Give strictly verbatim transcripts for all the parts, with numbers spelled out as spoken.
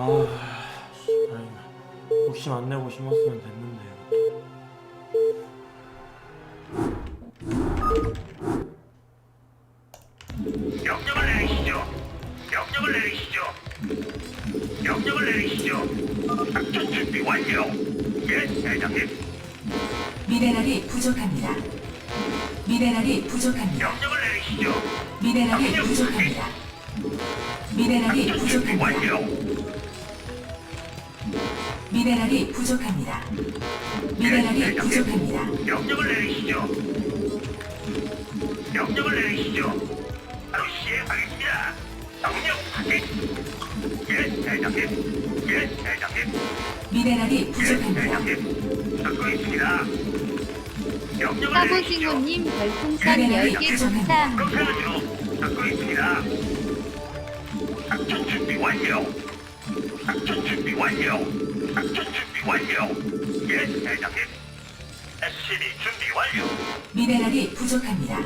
아, 씨, 다행이다. 욕심 안 내고 심었으면 됐는데. 명령을 내리시죠. 명령을 내리시죠. 명령을 내리시죠. 작전 준비 완료. 예, 대장님. 미네랄이 부족합니다. 미네랄이 부족합니다. 명령을 내리시죠. 미네랄이 부족합니다. 미네랄이 작전 준비 부족합니다. 완료. 미네랄이 부족합니다. 미네랄이 부족합니다. 명령을 내리시죠. 명령을 내리시죠. 바로 시행하겠습니다. 명령 확인. 예, 대장님. 예, 대장님. 미네랄이 예, 부족합니다. 대장님. 듣고 있습니다. 명령을 내리시죠. 사보징호님 별풍선 미네랄이 열 개 부족합니다. 그렇게 감사합니다. 하죠. 듣고 있습니다. 작전 준비 완료. 작전 준비 완료. 작전 준비 완료. 예, 대장님. 에스씨비 준비 완료. 미네랄이 부족합니다.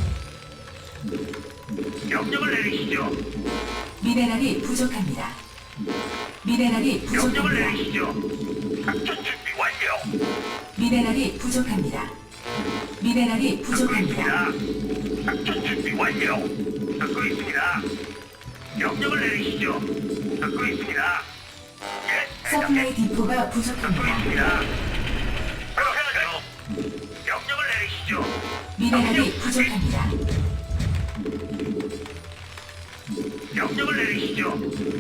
명령을 내리시죠. 미네랄이 부족합니다. 미네랄이 명령을 부족합니다. 내리시죠. 작전 준비 완료. 미네랄이 부족합니다. 미네랄이 듣고 부족합니다. 있습니다. 작전 준비 완료. 듣고 있습니다. 명령을 내리시죠. 듣고 있습니다. 예, 서플라이 대장님. 디포가 듣고 부족합니다. 있습니다. 그렇게 하죠. 명령을 내리시죠. 미네랄이 부족합니다. 명령을 내리시죠.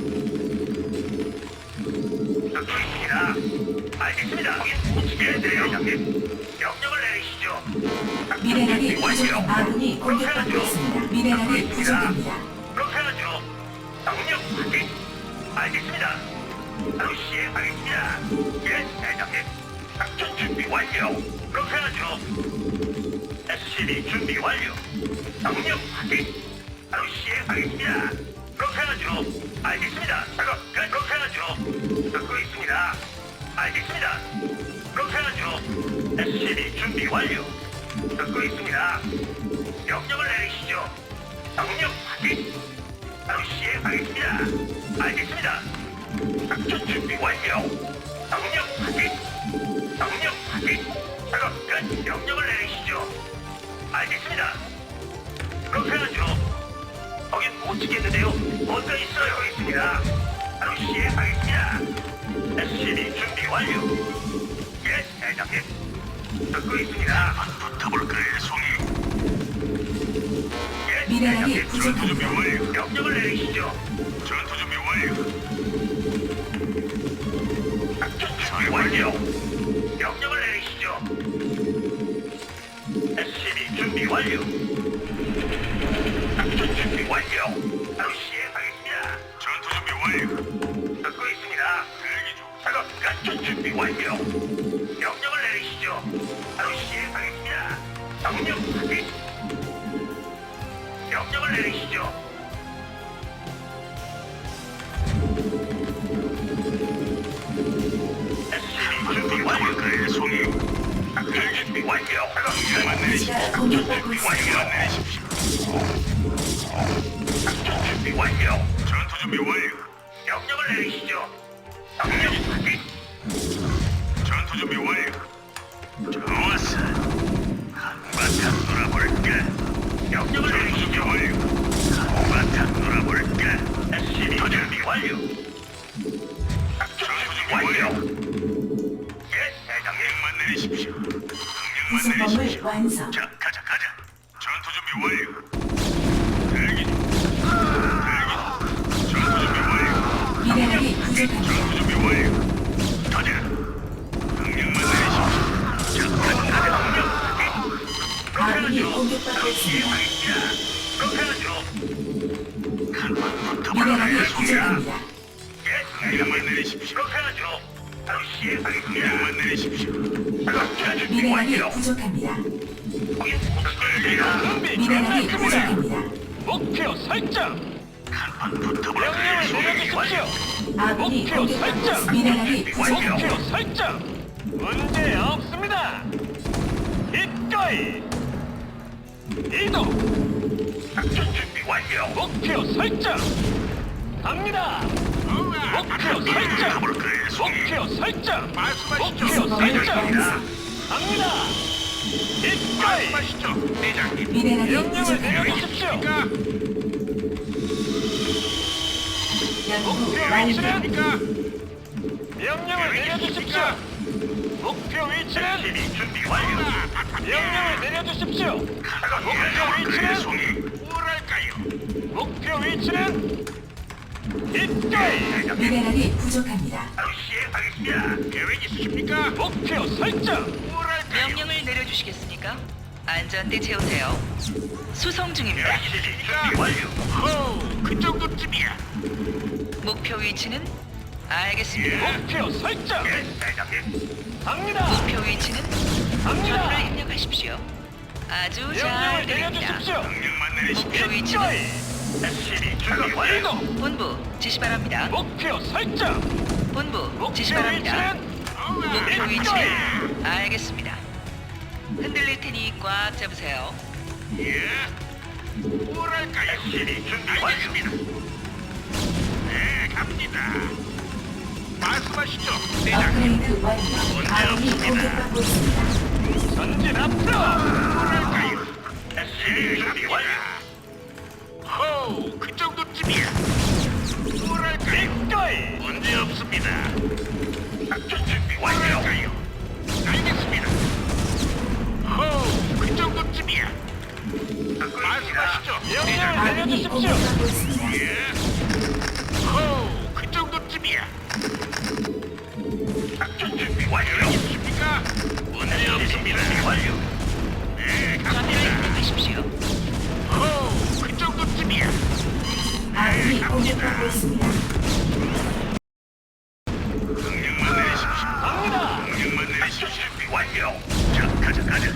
듣고 있습니다. 알겠습니다. 예, 대장님. 명령을 내리시죠. 작전 미네랄이 준비 완료. 부족합니다. 아군이 공격받고 있습니다. 미네랄이 부족합니다. 그렇게 하죠. 명령 확인. 알겠습니다. 바로 시행하겠습니다. 예, 대장님. 작전 준비 완료. 그렇게 하죠. 에스씨비 준비 완료. 명령 확인. 바로 시행하겠습니다. 그렇게 하죠. 알겠습니다. 작업 끝. 그렇게 하죠. 듣고 있습니다. 알겠습니다. 그렇게 하죠. 에스씨비 준비 완료. 듣고 있습니다. 명령을 내리시죠. 명령 확인. 바로 시행하겠습니다. 알겠습니다. 작전 준비 완료. 명령 확인. 명령 확인. 작업 끝. 명령을 내리시죠. 알겠습니다. 그렇게 하죠. 거긴 못 지겠는데요. 뭔가 있어요. 있습니다. 바로 시행하겠습니다. 에스씨비 준비 완료. 예, 대장님. 듣고 있습니다. 붙어볼까요, 송이? 예, 미네랄이 대장님. 부족합니다. 전투 준비 완료. 명령을 내리시죠. 전투 준비 완료. 작전 준비 완료. 명령을 내리시죠. 에스씨비 준비 완료. 작전 준비 완료. 바로 시행하겠습니다. 전투 준비 완료. 듣고 있습니다. 대기 중. 작업 작전 준비 완료. 명령을 내리시죠. 바로 시행하겠습니다. 명령 확인. 명령을 내리시죠. 에스씨비 준비 완료. 그의 송이. 작전 준비 완료. 작업 명령만 내리시죠. 기지가 공격받고 있습니다. 완료 내리십시오. 작전 준비 완료. 전투 준비 완료. 명령을 내리시죠. 명령 확인. 전투 준비 완료. 좋았어. 한바탕 놀아볼까? 명령을 내리시죠. 완료. 한바탕 놀아볼까? 에스씨비 준비 완료. 작전 준비 완료. 예, 대장님만 내리십시오. 명령만 구성범을 내리십시오. 완성. 자, 가자, 가자. 전투 준비 완료. 대기 중. 대기 중. 전투 준비 완료. 미네랄이 부족합니다. 전투 준비 완료. 가자. 명령만 내리십시오. 자, 가자, 가자. 명령 확인. 그렇게 아군이 하죠. 공격받고 있습니다. 시행하겠습니다. 그렇게 하죠. 한번 미네랄이 붙어볼까요, 송이야? 부족합니다. 예, 명령만 내리십시오. 그렇게 하죠. 바로 시행하겠습니다. 명령만 내리십시오. 작전 준비 미네랄이 완료. 부족합니다. 거긴 붙어볼까요? 미네랄이 부족합니다. 목표 설정. 한번 붙어볼까요, 명령을 송이? 내려주십시오. 아군이 목표 공격받고 설정. 있습니다. 미네랄이 부족합니다. 목표 설정. 문제 없습니다. 기꺼이 이동. 작전 준비 완료. 목표 설정. 갑니다. 목표 설정. 그의 송이. 목표 설정. 말씀하시죠. 목표 설정. 갑니다. 기꺼이 말씀하시죠. 대장님. 미네랄이 명령을 부족합니다. 내려주십시오. 연구 목표 완료. 위치는 명령을 내려주십시오. 목표 위치는 SCB 준비 완료. 명령을 내려주십시오. 목표 그의 위치는 송이. 뭐랄까요? 목표 위치는 기꺼이 미네랄이 부족합니다. 바로 시행하겠습니다. 계획 있으십니까? 목표 설정. 뭐랄까요? 명령을 내려주시겠습니까? 안전대 채우세요. 수송 중입니다. SCB 준비 완료. 호, 그 정도쯤이야. 목표 위치는 알겠습니다. 목표 설정. 예, 대장님. 갑니다. 목표 위치는 갑니다. 좌표를 입력하십시오. 아주 잘 명령을 들립니다. 내려주십시오. 명령만 내리십시오. 목표 위치는 기꺼이 에스씨비 준비 완료. 이동. 본부 지시 바랍니다. 목표 설정. 본부 목표 지시 바랍니다. 위치는 목표 기꺼이 위치는 알겠습니다. 흔들릴 테니 꽉 잡으세요. 예. 뭐랄까요? 에스씨비 준비 완료입니다. 네, 갑니다. 말씀하시죠, 대장님. 업그레이드 완료. 아군이 공격받고 있습니다. 전진 앞으로. 뭐랄까요? 에스씨비 준비 완료. 호, 그 정도쯤이야. 뭐랄까요? 기꺼이 문제 없습니다. 작전 준비 완료. 알겠습니다. 호, 그 정도쯤이야. 말씀하시죠. 명령을 아군이 내려주십시오. 공격받고 있습니다. 예. 호, 그 정도쯤이야. 작전 준비 완료. 있습니까? 문제 없습니다. 완료. 네, 좌표를 갑니다. 입력하십시오. 호, 그 정도쯤이야. 아군이 공격받고 있습니다. 명령만 내리십시오. 갑니다. 명령만 내리십시오. 준비 완료. 자, 가자, 가자.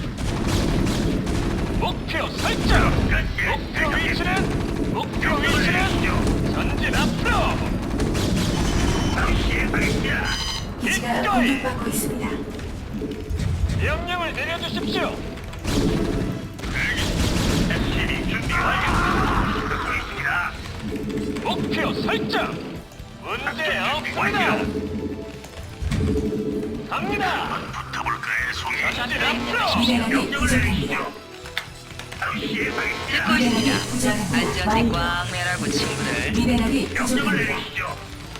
목표 설정. 목표 위치는 목표 위치는 전진 앞으로. 바로 시행하겠습니다. 기지가 기꺼이 공격받고 있습니다. 명령을 내려주십시오. 에스씨비 준비 완료. 듣고 있습니다. 목표 설정. 문제 없습니다. 갑니다. 붙어볼까요, 송이? 전진 앞으로. 미네랄이 명령을 부족합니다. 내리시죠. 바로 시행하겠습니다. 듣고 미네랄이 있습니다. 부족합니다. 안전대 완료. 꽉 매라고 친구들. 미네랄이 명령을 부족합니다. 내리시죠.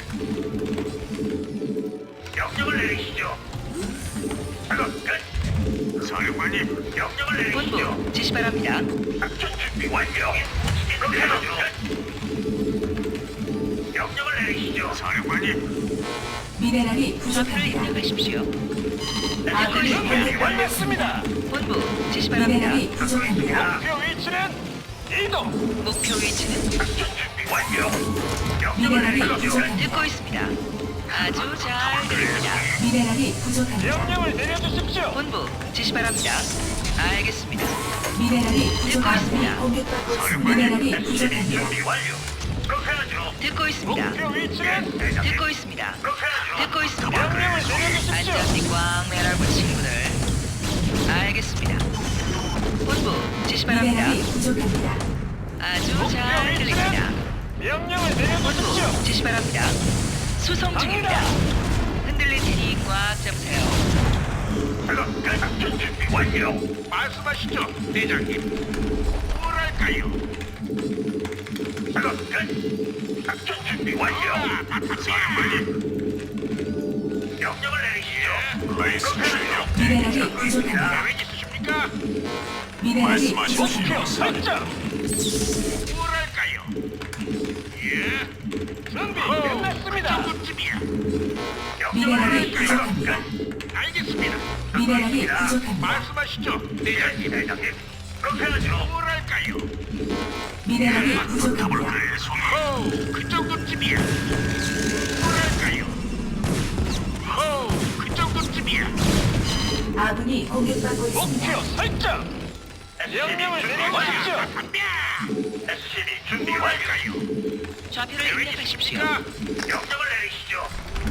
명령을 내리시죠. 작업 끝. 사령관님, 명령을 내리시죠. 본부 지시 바랍니다. 작전 준비 완료. 그렇게 하죠. 명령을 내리시죠. 사령관님, 미네랄이 좌표를 부족합니다. 입력하십시오. 아군이 준비 공격받고 끝났습니다. 본부 지시 바랍니다. 미네랄이 부족합니다. 목표 위치는 이동. 목표 위치는 작전 준비 완료. 명령을 미네랄이 내리시죠. 부족합니다. 듣고 있습니다. 아주 잘 들립니다. 미네랄이 부족합니다. 명령을 내려주십시오. 본부 지시 바랍니다. 알겠습니다. 미네랄이 부족합니다. 있습니다. 공격받고 있습니다. 미네랄이 에스씨비 부족합니다. 준비 완료. 그렇게 하죠. 듣고 있습니다. 목표 위치는 듣고 있습니다. 그렇게 하죠. 듣고 있습니다. 명령을 내려주십시오. 안전띠 꽉 매라고 친구들. 알겠습니다. 본부 지시 바랍니다. 미네랄이 부족합니다. 아주 목표 잘 들립니다. 위치는 명령을 내려주십시오. 본부 지시 바랍니다. 수송 중입니다. 흔들릴 테니 꽉 잡으세요. 작업 끝. 작전 준비 완료. 말씀하시죠, 대장님. 뭐랄까요? 작업 끝. 작전 준비 완료. 사령관님, 명령을 내리시죠. 말씀하시죠. 미네랄이 부족합니다. 계획 있으십니까? 미네랄이 목표 부족합니다. 설정. 뭐랄까요? 예. 준비 호, 그 끝났습니다. 정도쯤이야. 미네랄이 내리시죠. 부족합니다. 알겠습니다. 미네랄이 듣고 있습니다. 부족합니다. 말씀하시죠, 대장님. 대장님. 그렇게 하죠. 뭐랄까요? 미네랄이 부족합니다. 호, 그 정도쯤이야. 뭐랄까요? 호, 그 정도쯤이야. 아군이 공격받고 있습니다. 목표 설정. 명령을 내려주십시오. 에스씨비 준비 완료요. 좌표를 입력하십시오. 명령을 내리시죠.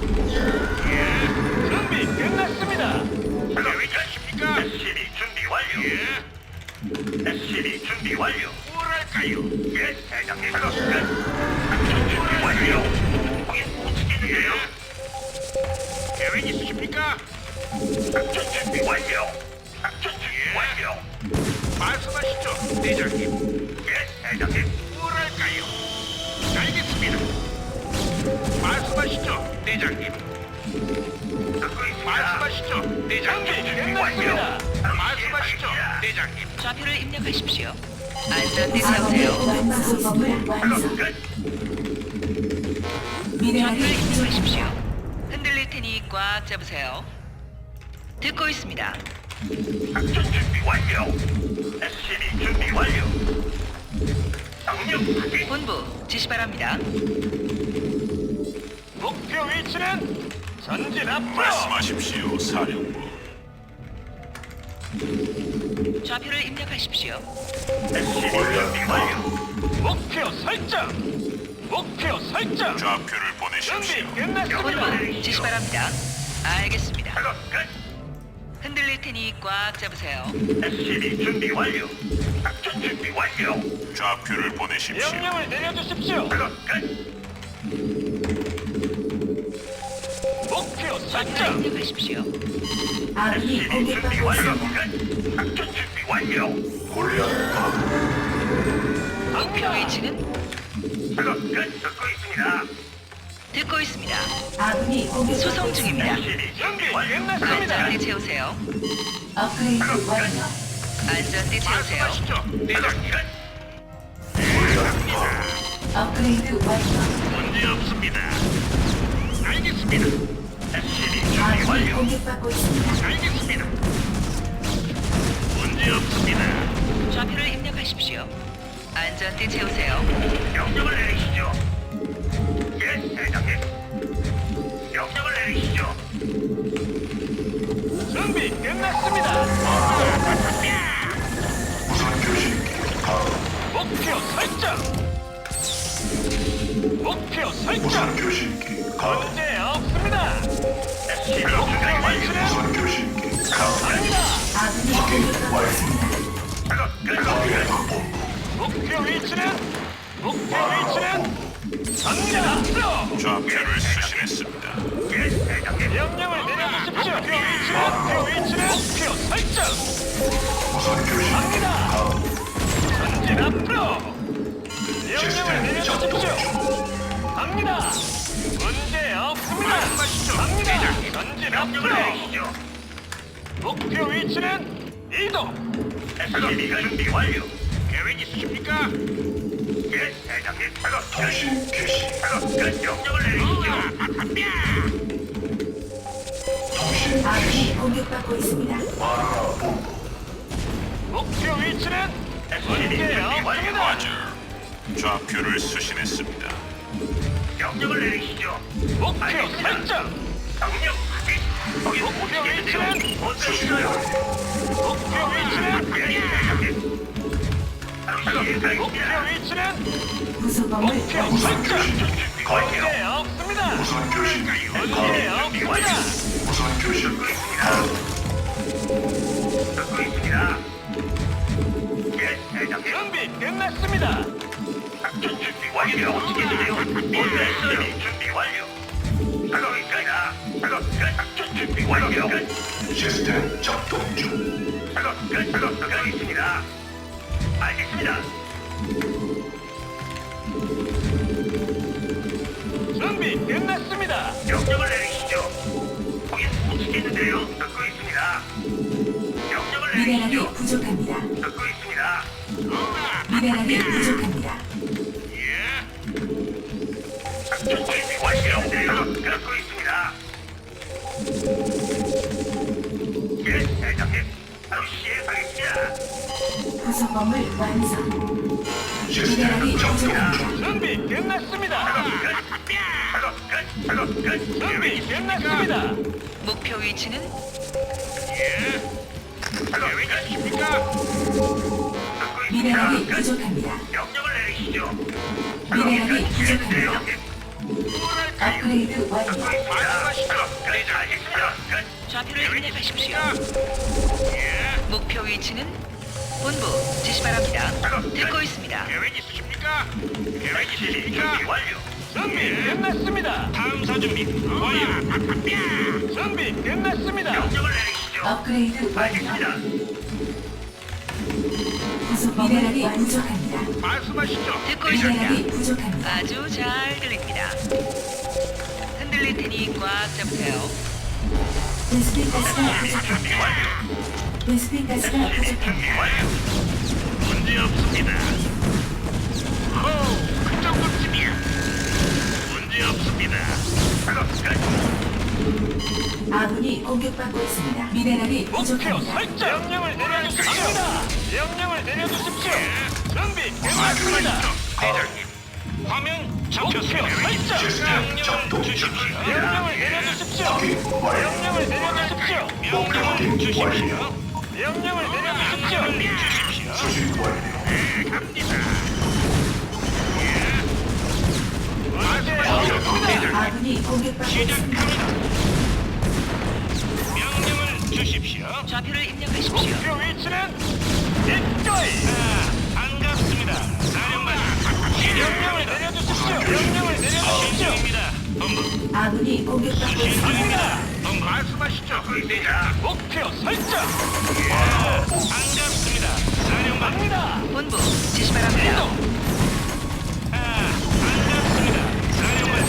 준비 끝났습니다. 계획 있으십니까? 에스씨비 준비 완료. 예. 에스씨비 준비 완료. 뭐랄까요? 예, 대장님. 작업 끝. 작전 준비 완료. 거긴 있으세요? 계획 있으십니까? 작전 준비 완료. 작전 준비 완료. 말씀하시죠, 대장님. 예, 대장님. 뭐랄까요? 알겠습니다. 말씀하시죠, 대장님. 듣고 있습니다. 말씀하시죠, 대장님. 준비 완료. 말씀하시죠, 대장님. 좌표를 입력하십시오. 안전띠 아군이 세우세요. 완성범을 완성. 끝. 미네랄이 좌표를 부족합니다. 입력하십시오. 흔들릴 테니 꽉 잡으세요. 듣고 있습니다. 작전 준비 완료. 에스씨비 준비 완료. 명령 확인. 본부 지시 바랍니다. 목표 위치는 전진 앞으로. 말씀하십시오, 사령부. 좌표를 입력하십시오. 에스씨비 준비 완료. 목표 설정. 목표 설정. 좌표를 준비 보내십시오. 끝났습니다. 본부 지시 바랍니다. 알겠습니다. 작업 끝. 흔들릴 테니 꽉 잡으세요. 에스씨비 준비 완료. 작전 준비 완료. 좌표를 보내십시오. 명령을 내려주십시오. 작업 끝. 목표 좌표를 설정. 입력하십시오. 아군이 에스씨비 준비 공격받고 완료. 있습니다. 끝. 작전 준비 완료. 목표 위치는 작업 끝. 듣고 있습니다. 듣고 있습니다. 아군이 공격받고 수송 있습니다. 중입니다. 에스씨비 준비 준비 완료. 끝났습니다. 안전띠 채우세요. 업그레이드 완료. 안전띠 채우세요. 말씀하시죠, 대장님. 업그레이드 완료. 문제 없습니다. 알겠습니다. 에스씨비 준비 아군이 완료. 공격받고 있습니다. 알겠습니다. 문제 없습니다. 좌표를 입력하십시오. 안전띠 채우세요. 명령을 내리시죠. 예, 대장님. 명령을 내리시죠. 준비 끝났습니다. 목표 설정. 목표 설정. 문제 없습니다. 에스씨비 목표 준비 완료. 위치는 갑니다. 아군이 공격받고 있습니다. 작업 끝. 목표 위치는 목표 위치는 전진 앞으로. 좌표를 수신했습니다. 예, 대장님. 명령을 내려주십시오. 목표 위치는 목표 위치는 목표 설정. 갑니다. 전진 앞으로. 명령을 내려주십시오. 갑니다. 문제 없습니다. 갑니다. 전진 명령을 앞으로. 내리시죠. 목표 위치는 이동. 에스씨비 준비 완료. 계획 있으십니까? 예, 대장님. 작업 통신 개시. 작업 끝. 명령을 내리시죠. 아군이 공격받고 있습니다. 목표 위치는 에스씨비 문제 준비 완료. 없습니다. 좌표를 수신했습니다. 명령을 내리시죠. 목표 알겠습니다. 설정. 명령 확인. 거기 목표 못치겠는데요. 위치는? 못치겠어요. 목표 위치는 예, 대장님. 바로 목표 시행하겠습니다. 위치는 부속범을 목표 완성. 설정. 준비 완료. 문제 없습니다. 문제 준비 완료. 없습니다. 듣고 있습니다. 듣고 있습니다. 예, 대장님. 준비 끝났습니다. 작전 준비 완료. 못치겠는데요. 못치겠어요. 준비 완료. 작업 있습니다. 작업 끝. 작전 준비 완료. 시스템 작동 중. 작업 끝. 작업 끝. 있습니다. 알겠습니다. 준비 끝났습니다. 명령을 내리시죠. 거긴 못치겠는데요. 듣고 있습니다. 명령을 미네랄이 내리시죠. 부족합니다. 듣고 있습니다. 미네랄이 부족합니다. 예. 작전 준비 완료. 듣고 있습니다. 예, 대장님. 바로 시행하겠습니다. 부속범을 완성. 미네랄이 부족합니다. 준비 끝났습니다. 작업 끝. 작업 끝. 작업 끝. 준비 끝났습니다. 목표 위치는 예. 작업 끝입니까? 듣고 미네랄이 있습니다. 끝. 부족합니다. 명령을 내리시죠. 미네랄이 부족합니다. 뭐랄까요? 업그레이드 완료. 듣고 있습니다. 작업 끝. 알겠습니다. 끝. 좌표를 입력하십시오. 예. 목표 위치는 본부 지시 바랍니다. 듣고 있습니다. 계획 있으십니까? 계획 있으십니까? 준비 완료. 준비 끝났습니다. 탐사 준비 완료. 준비 끝났습니다. 명령을 내리시죠. 업그레이드 완료. 알겠습니다. 부속 미네랄이 부족합니다. 말씀하시죠. 듣고 있습니다. 미네랄이 부족합니다. 아주 잘 들립니다. 흔들릴 테니 꽉 잡으세요. 베스핀 가스가 부족합니다. 베스핀 가스가 부족합니다. 문제 없습니다. 호우, 그 정도쯤이야. 문제 없습니다. 작업 끝. 아군이 공격받고 있습니다. 미네랄이 목표 부족합니다. 설정. 명령을 내려주십시오. 명령을 내려주십시오. 준비 끝났습니다. 대장님. 화면 잡혔습니다. 설정. 명령을 주십시오. 명령을 내려주십시오. 명령을 내려주십시오. 명령을 주십시오. 명령을 내려주십시오. 주십시오. 네, 갑니다. 문제 없습니다. 아군이 공격받고 있습니다. 시작합니다. 명령을 주십시오. 좌표를 입력하십시오. 목표 위치는 이거이. 아, 반갑습니다. 사령관. 명령을 내려주십시오. 명령을 내려주십시오. 입니다. 본부. 아군이 공격받고 있습니다. 갑니다. 본부 말씀하시죠. 대장. 목표 설정. 아, 반갑습니다. 사령관. 갑니다. 본부 지시 바랍니다. 이동. 아, 반갑습니다. 사령관.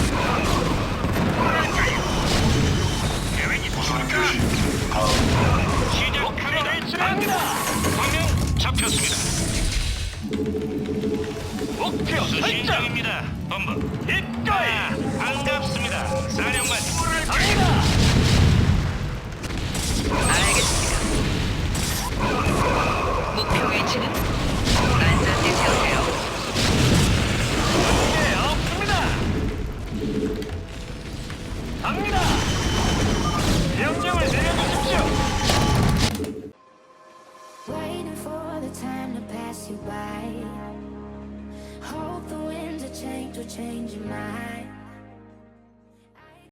계획이 있습니까? 시작합니다. 갑니다. 화면 잡혔습니다. 목표 설정입니다. 본부. 이거이. 반갑습니다. 사령관. 갑니다. 알겠습니다. 목표 위치는 안전대 세우세요. 문제 없습니다. 갑니다. 명령을 내려주십시오. Waiting for the time to pass you by. Hope the winds of change will change your mind.